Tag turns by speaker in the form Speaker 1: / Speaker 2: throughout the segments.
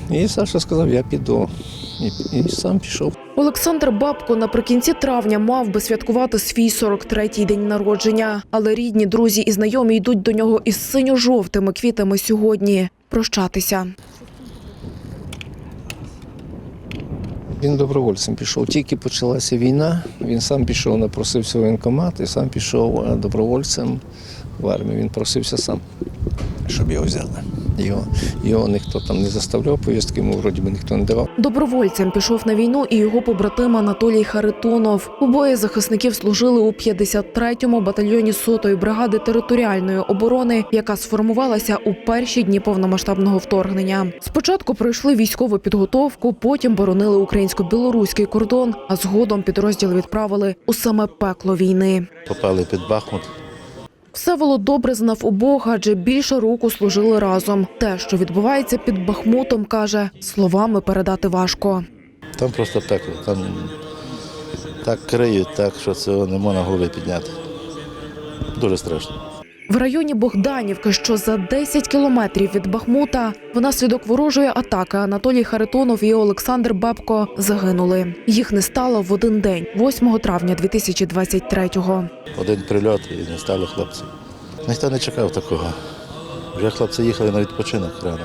Speaker 1: І Саша сказав, я піду. І сам пішов.
Speaker 2: Олександр Бабко наприкінці травня мав би святкувати свій 43-й день народження. Але рідні, друзі і знайомі йдуть до нього із синьо-жовтими квітами сьогодні прощатися.
Speaker 1: Він добровольцем пішов. Тільки почалася війна, він сам пішов, напросився в воєнкомат і сам пішов добровольцем в армію. Він просився сам, щоб його взяли. Його ніхто там не заставляв, повістки йому вроді би ніхто не давав.
Speaker 2: Добровольцем пішов на війну і його побратим Анатолій Харитонов. Обоє захисників служили у 53-му батальйоні 100-ї бригади територіальної оборони, яка сформувалася у перші дні повномасштабного вторгнення. Спочатку пройшли військову підготовку, потім боронили українсько-білоруський кордон, а згодом підрозділ відправили у саме пекло війни.
Speaker 3: Попали під Бахмут.
Speaker 2: Всеволод добре знав обох, адже більше року служили разом. Те, що відбувається під Бахмутом, каже, словами передати важко.
Speaker 3: Там просто пекло, там так криють, так, що цього не можна голови підняти. Дуже страшно.
Speaker 2: В районі Богданівки, що за 10 кілометрів від Бахмута, внаслідок ворожої атаки Анатолій Харитонов і Олександр Бабко загинули. Їх не стало в один день, 8 травня 2023-го.
Speaker 3: Один прильот і не стало хлопців. Ніхто не чекав такого. Вже хлопці їхали на відпочинок рано.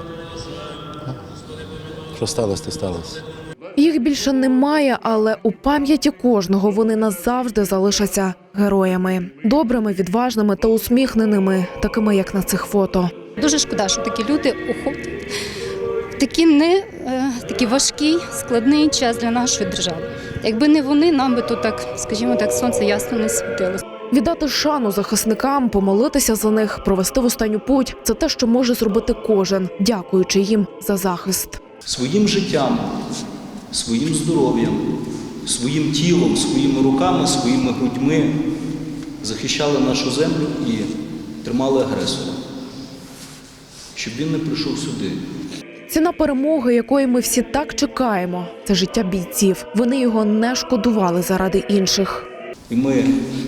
Speaker 3: Що сталося, то сталося.
Speaker 2: Їх більше немає, але у пам'яті кожного вони назавжди залишаться героями. Добрими, відважними та усміхненими, такими, як на цих фото.
Speaker 4: Дуже шкода, що такі люди уходять в такий важкий, складний час для нашої держави. Якби не вони, нам би тут так, скажімо так, сонце ясно не світило.
Speaker 2: Віддати шану захисникам, помолитися за них, провести в останню путь – це те, що може зробити кожен, дякуючи їм за захист.
Speaker 5: Своїм життям, своїм здоров'ям, своїм тілом, своїми руками, своїми грудьми захищали нашу землю і тримали агресора, щоб він не прийшов сюди.
Speaker 2: Ціна перемоги, якої ми всі так чекаємо – це життя бійців. Вони його не шкодували заради інших.
Speaker 5: І ми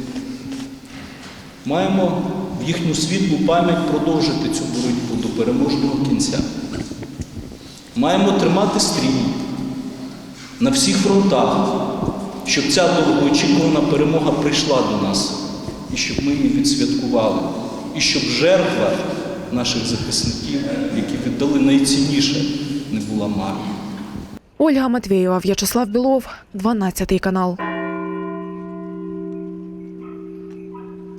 Speaker 5: маємо в їхню світлу пам'ять продовжити цю боротьбу до переможного кінця. Маємо тримати стрій на всіх фронтах, щоб ця довгоочікувана перемога прийшла до нас, і щоб ми її відсвяткували, і щоб жертва наших захисників, які віддали найцінніше, не була марною.
Speaker 2: Ольга Матвєєва, В'ячеслав Білов, 12 канал.